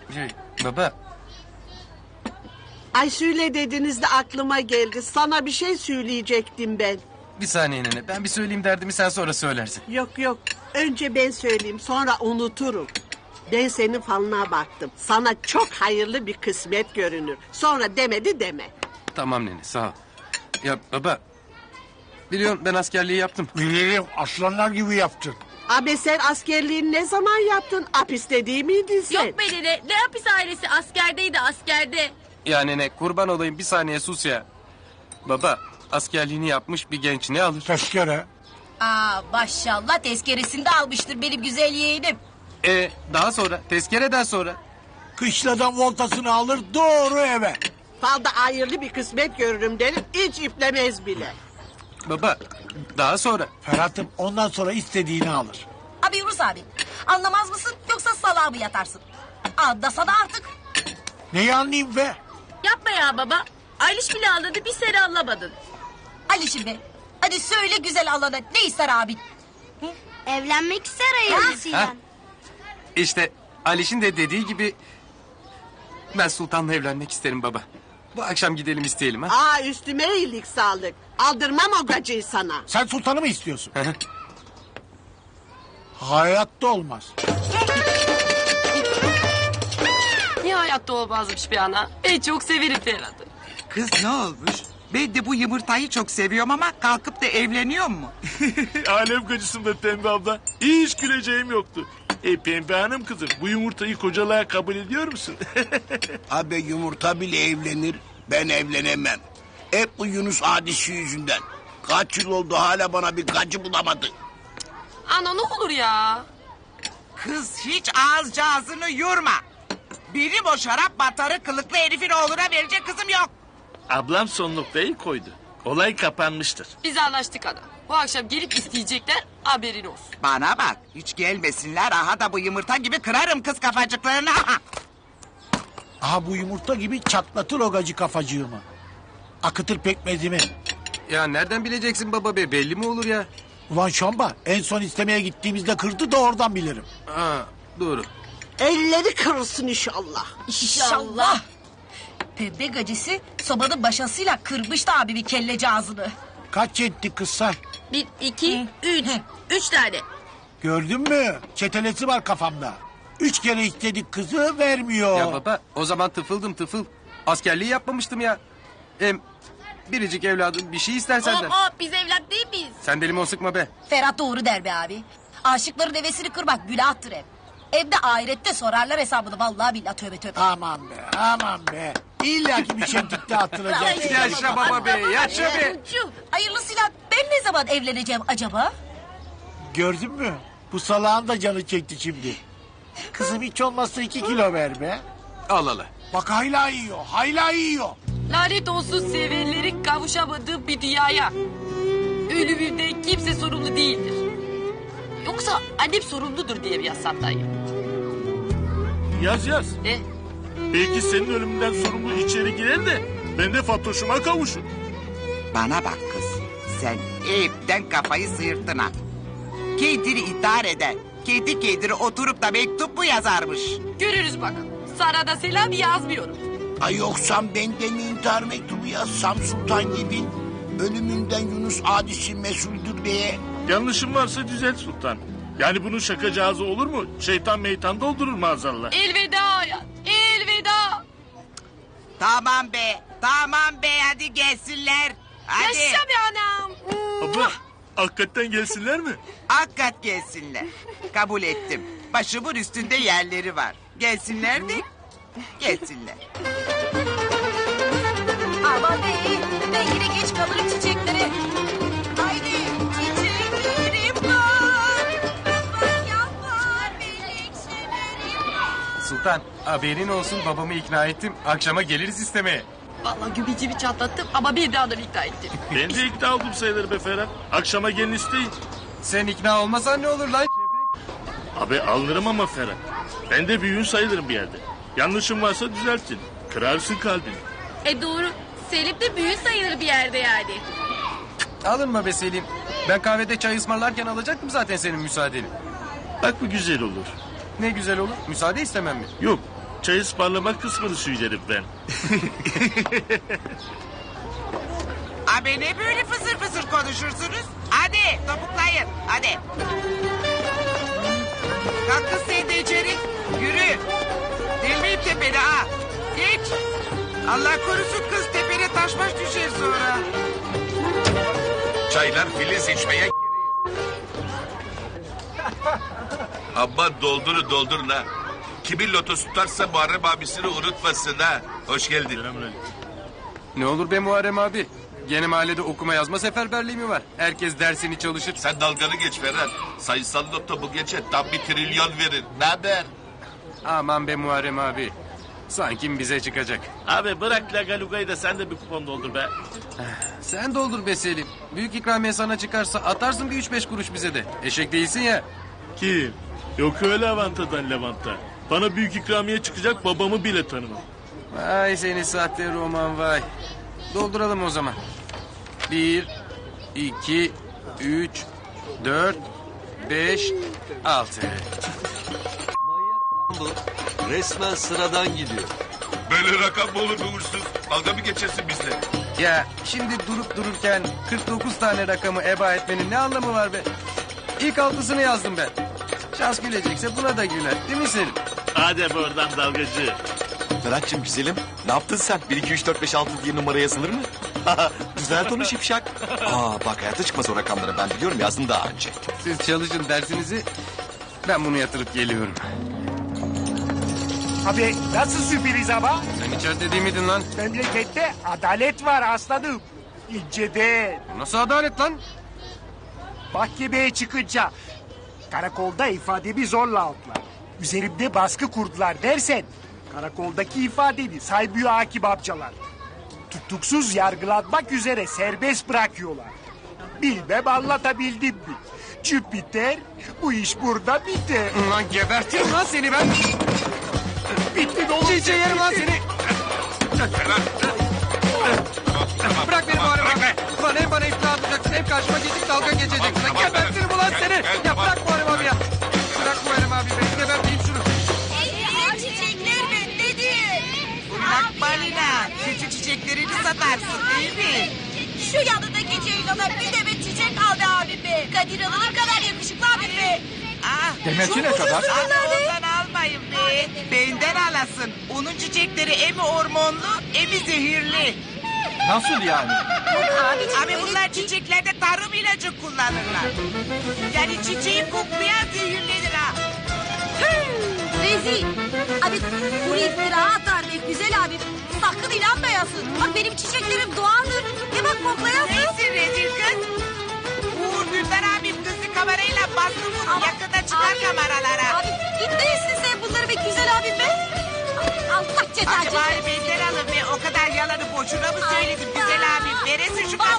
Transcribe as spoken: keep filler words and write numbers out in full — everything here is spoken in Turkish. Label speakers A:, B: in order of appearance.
A: Şey, baba.
B: Ay söyle dediniz de aklıma geldi. Sana bir şey söyleyecektim ben.
A: Bir saniye nene. Ben bir söyleyeyim derdimi, sen sonra söylersin.
B: Yok yok. Önce ben söyleyeyim, sonra unuturum. Ben senin falına baktım. Sana çok hayırlı bir kısmet görünür. Sonra demedi deme.
A: Tamam nene, sağ ol. Ya baba. Biliyorsun ben askerliği yaptım.
C: Bilirim, aslanlar gibi yaptın.
B: Abi sen askerliğini ne zaman yaptın? Hapiste değil miydin sen?
D: Yok be dede. Ne hapis ailesi askerdeydi askerde.
A: Ya nene, kurban olayım, bir saniye sus ya. Baba, askerliğini yapmış bir genç ne alır?
C: Tezkere.
E: Aa maşallah tezkeresini de almıştır benim güzel yeğenim.
A: E daha sonra, tezkereden sonra.
C: Kışladan voltasını alır doğru eve.
B: Falda hayırlı bir kısmet görürüm derim. Hiç iplemez bile.
A: Baba, daha sonra.
C: Ferhat'ım ondan sonra istediğini alır.
E: Abi Yunus abi anlamaz mısın yoksa salağa mı yatarsın? Anlasana artık.
C: Neyi anlayayım be?
D: Yapma ya baba. Ayliş bile anladı, bir seni anlamadın.
E: Alişim be hadi söyle güzel alana ne ister abin?
F: Evlenmek ister hayırlısıyla.
A: Ha? İşte Aliş'in de dediği gibi... ben Sultan'la evlenmek isterim baba. Bu akşam gidelim isteyelim ha.
B: Aa üstüme iyilik sağlık. Aldırmam o gacıyı sana.
C: Sen sultanı mı istiyorsun? Hayatta olmaz.
G: Niye hayatta olmazmış bir ana? Ben çok severim Ferhat'ı.
H: Kız ne olmuş? Ben de bu yumurtayı çok seviyorum ama kalkıp da evleniyor mu?
I: Alem gacısın be Pembe abla. Hiç güleceğim yoktu. E Pembe hanım kızım, bu yumurtayı kocalığa kabul ediyor musun?
J: Abi yumurta bile evlenir, ben evlenemem. Hep bu Yunus hadisi yüzünden. Kaç yıl oldu hala bana bir gacı bulamadı.
G: Ana ne olur ya.
H: Kız hiç ağız ağzını yorma. Benim o şarap batarı kılıklı herifin oğluna verecek kızım yok.
I: Ablam son noktayı koydu. Olay kapanmıştır.
G: Biz anlaştık ana. Bu akşam gelip isteyecekler, haberin olsun.
H: Bana bak hiç gelmesinler aha da bu yumurta gibi kırarım kız kafacıklarını. Aha.
C: Aha bu yumurta gibi çatlatır o gacı kafacığımı. Akıtır pekmezimi.
A: Ya nereden bileceksin baba be, belli mi olur ya?
C: Ulan şamba en son istemeye gittiğimizde kırdı da oradan bilirim.
A: Ha, doğru.
B: Elleri kırılsın inşallah.
E: İnşallah. Pembe gacısı sobanın başasıyla kırmıştı abi bir kelleci ağzını.
C: Kaç etti kız say?
D: Bir, iki, üç. Üç tane.
C: Gördün mü? Çetelesi var kafamda. Üç kere istedik kızı vermiyor.
A: Ya baba, o zaman tıfıldım tıfıl. Askerliği yapmamıştım ya. Hem biricik evladım bir şey ister senden.
D: Hop hop, biz evlat değil miyiz?
A: Sen de limon sıkma be.
E: Ferhat doğru der be abi. Aşıkların devesini kırmak günahtır hep. Evde ahirette sorarlar hesabını vallahi billahi tövbe tövbe.
C: Aman be aman be. İlla ki bir şemtikte attıracak.
A: Yaşa baba be, yaşa be.
D: Çocuğum.
E: Hayırlısıyla ben ne zaman evleneceğim acaba?
C: Gördün mü? Bu salağın da canı çekti şimdi. Kızım hiç olmazsa iki kilo ver be.
A: Al al.
C: Bak hayla yiyor, hayla yiyor.
G: Lanet olsun sevenlerin kavuşamadığı bir dünyaya. Ölümünden kimse sorumlu değildir. Yoksa annem sorumludur diye mi yazsam dayı?
I: Yaz yaz.
G: E?
I: Belki senin ölümünden sorumlu içeri girer de ben de Fatoş'uma kavuşur.
H: Bana bak kız sen hepten kafayı sıyırttın ha. Kendini intihar eden kendi kendine oturup da mektup mu yazarmış?
G: Görürüz bakalım. Sana da selam yazmıyorum.
J: Ay yoksam ben de mi intihar mektubu yazsam Sultan gibi? Ölümünden Yunus hadisi mesuldür diye.
I: Yanlışım varsa düzelt Sultan. Yani bunun şakacağızı olur mu? Şeytan meytan doldurur maazallah.
G: Elveda hayat, elveda.
H: Tamam be tamam be hadi gelsinler. Hadi.
G: Yaşa be anam.
I: Abla hakikaten gelsinler mi?
H: Hakikat gelsinler. Kabul ettim. Başımın üstünde yerleri var. Gelsinler de gelsinler.
E: Aman be ben yine geç kalırım çiçeklere. Haydi çiçeklerim var. Bak yapar melekçelerim var.
A: Sultan, haberin olsun, babamı ikna ettim. Akşama geliriz istemeye.
G: Vallahi gübicimi çatlattım ama bir daha da ikna ettim.
I: Ben de ikna oldum sayılır be Ferhat. Akşama gelin isteyin.
A: Sen ikna olmasan ne olur lan?
I: Abi alırım ama Ferhat. Ben de büyüğün sayılırım bir yerde. Yanlışım varsa düzeltin. Kırarsın kalbini.
D: E doğru. Selim de büyük sayılır bir yerde yani.
A: Alınma be Selim. Ben kahvede çay ısmarlarken alacaktım zaten senin müsaadeni.
I: Bak bu güzel olur.
A: Ne güzel olur. Müsaade istemem mi?
I: Yok. çay ısmarlama kısmını söylerim ben.
H: Abi ne böyle fısır fısır konuşursunuz? Hadi topuklayın hadi. Kalk kız sen de içeri. Yürü. Delmeyip tepene ha. Geç. Allah korusun kız tepene taş baş düşer sonra.
K: Çaylar filiz içmeye Aman doldurun doldurun ha. Kimin lotosu tutarsa Muharrem abisini unutmasın ha. Hoş geldin.
A: Ne olur be Muharrem abi. Gene mahallede okuma yazma seferberliği mi var? Herkes dersini çalışır.
K: Sen dalganı geç Ferhat. Sayısal loto bu gece tam bir trilyon verir. Ne haber?
A: Aman be Muharrem abi. Sanki bize çıkacak.
I: Abi bırak lagalugayı da sen de bir kupon doldur be.
A: Sen doldur be Selim. Büyük ikramiye sana çıkarsa atarsın bir üç beş kuruş bize de. Eşek değilsin ya.
I: Kim? Yok öyle avantadan Levant'a. Bana büyük ikramiye çıkacak babamı bile tanımam.
A: Vay seni sahte roman vay. Dolduralım o zaman. Bir, iki, üç, dört, beş, altı.
L: Bu resmen sıradan gidiyor.
K: Böyle rakam mı olur be uğursuz? Dalga mı geçersin bizle?
A: Ya şimdi durup dururken kırk dokuz tane rakamı eba etmenin ne anlamı var be? İlk altısını yazdım ben. Şans gülecekse buna da güler. Değil mi Selim?
I: Hadi buradan dalgacı.
L: Ferhat'cığım güzelim. Ne yaptın sen? bir iki üç dört beş altı diye numara yazılır mı? Güzel konu şipşak. Aa bak hayatta çıkmaz o rakamları ben biliyorum yazdım daha önce.
A: Siz çalışın dersinizi. Ben bunu yatırıp geliyorum.
C: Abi nasıl sürpriz ama?
A: Sen içeride değil miydin lan?
C: Memlekette adalet var aslanım. İnceden.
A: Bu nasıl adalet lan?
C: Mahkemeye çıkınca karakolda ifademi zorla aldılar. Üzerimde baskı kurdular dersen karakoldaki ifadeni saymıyor hakim amcalar. Tutuksuz yargılanmak üzere serbest bırakıyorlar. Bilmem anlatabildim mi? Jüpiter bu iş burada biter.
A: Lan gebertirim lan seni ben.
C: Bitti ne olur.
A: Çiğ yerim lan seni. Bırak beni Muharrem abi. Lan hem bana iftira atacaksın hem karşıma geçip dalga geçeceksin. Lan gebertirim ulan seni. Ya bırak Muharrem abi ya. Bırak Muharrem abi ben geberteyim şunu.
F: Çiçekler bendedir.
H: Bırak balina. Küçük çiçeklerini satarsın değil mi?
E: Şu yanındaki Ceylan'a bir demet çiçek aldı abim be. Kadir Hanım ne kadar yakışıklı abim be.
H: Ah,
C: Demeti ne kadar?
H: Abi ondan almayın be. Benden alasın. Onun çiçekleri emi hormonlu emi zehirli.
C: Nasıl yani?
H: Abi bunlar çiçeklerde tarım ilacı kullanırlar. Yani çiçeği koklayan zehirlenir ha.
E: Rezil. Abi kuru iftira atar be güzel abim. Sakın inanmayasın. Bak benim çiçeklerim doğaldır. Bir bak koklayasın.
H: Neyse rezil kız. Uğur Dündar abim kızı kamerayla bastı bunu. Yakında çıkar
E: abi,
H: kameralara.
E: Abi gitmeyesin sen bunları be güzel abim be. Allah ceza
H: Hadi
E: ceza.
H: bari benden alın be. O kadar yalanı boşuna mı söyledim güzel abim? Veresin şu kamerayı.